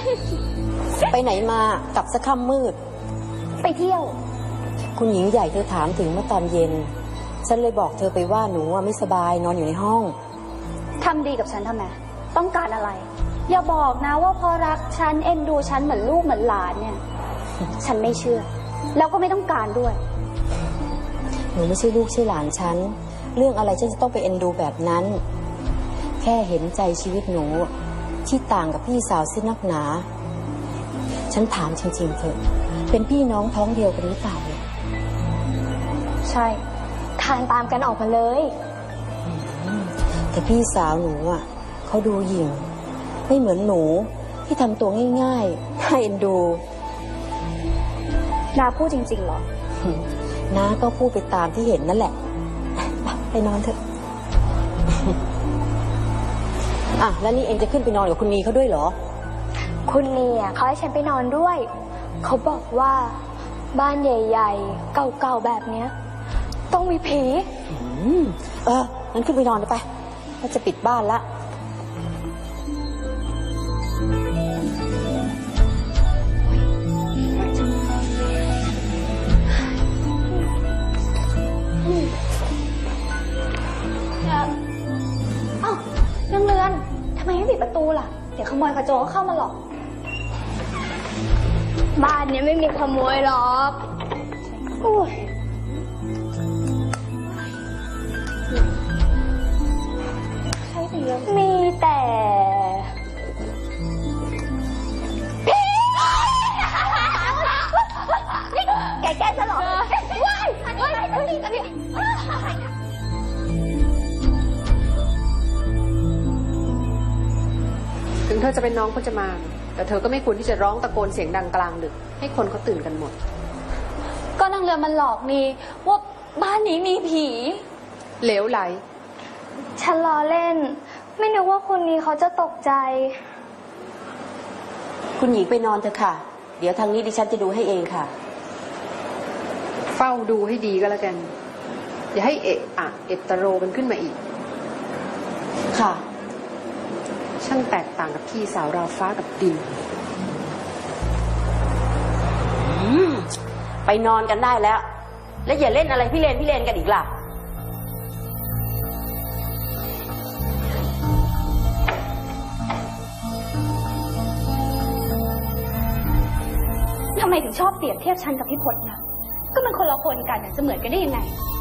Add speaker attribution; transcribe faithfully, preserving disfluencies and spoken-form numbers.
Speaker 1: ไปไหนมากลับสักค่ำมืด
Speaker 2: ไปเที่ยว
Speaker 1: คุณหญิงใหญ่เธอถามถึงเมื่อตอนเย็นฉันเลยบอกเธอไปว่าหนูไม่สบายนอนอยู่ในห้อง
Speaker 2: ทำดีกับฉันทำไมต้องการอะไรอย่าบอกนะว่าพอรักฉันเอ็นดูฉันเหมือนลูกเหมือนหลานเนี่ยฉันไม่เชื่อแล้วก็ไม่ต้องการด้วย
Speaker 1: หนูไม่ใช่ลูกใช่หลานฉันเรื่องอะไรฉันจะต้องไปเอ็นดูแบบนั้นแค่เห็นใจชีวิตหนูที่ต่างกับพี่สาวซินักหนาฉันถามจริงๆเถอะเป็นพี่น้องท้องเดียวกันหรือเปล่า
Speaker 2: ใช่ทานตามกันออกมาเลย
Speaker 1: แต่พี่สาวหนูอ่ะเขาดูหยิ่งไม่เหมือนหนูที่ทำตัวง่ายๆน่าเอ็นดู
Speaker 2: นาพูดจริงๆเหรอ
Speaker 1: น้าก็พูดไปตามที่เห็นนั่นแหละไปนอนเถอะอ่ะแล้วนี่เองจะขึ้นไปนอนกับคุณนีเขาด้วยเหรอ
Speaker 2: คุณนีอ่ะเขาให้ฉันไปนอนด้วยเขาบอกว่าบ้านใหญ่ๆเก่าๆแบบเนี้ยต้องมีผี
Speaker 1: เอองั้นขึ้นไปนอนเลยไปเราจะปิดบ้านละ
Speaker 2: เอ้าเรื่องเรือนทำไมไม่ปิดประตูล่ะเดี๋ยวขโมยขโจรเข้ามาหรอกบ้านนี้ไม่มีขโมยหรอกอุ้ยใช่แต่มีแต่ผีแกแกจะหลอกว้ายว้ายอันนี้อันนี้
Speaker 3: ถึงเธอจะเป็นน้องพจมานแต่เธอก็ไม่ควรที่จะร้องตะโกนเสียงดังกลางดึกให้คนเขาตื่นกันหมด
Speaker 2: ก็นางเรือมันหลอกนี่ว่าบ้านนี้มีผี
Speaker 3: เหลวไหล
Speaker 2: ฉันล้อเล่นไม่นึกว่าคนนี้เขาจะตกใจ
Speaker 1: คุณหญิงไปนอนเถอะค่ะเดี๋ยวทางนี้ดิฉันจะดูให้เองค่ะ
Speaker 3: เฝ้าดูให้ดีก็แล้วกันอย่าให้เอะอะเอตโรกันขึ้นมาอีก
Speaker 1: ค่ะ
Speaker 3: ช่างแตกต่างกับพี่สาวราวฟ้ากับดิน
Speaker 1: ไปนอนกันได้แล้ว และอย่าเล่นอะไรพี่เลนพี่เลนกันอีกล่ะ
Speaker 2: ทำไมถึงชอบเปรียบเทียบฉันกับพี่พจน์นะก็มันคนละคนกันจะเหมือนกันได้ยังไง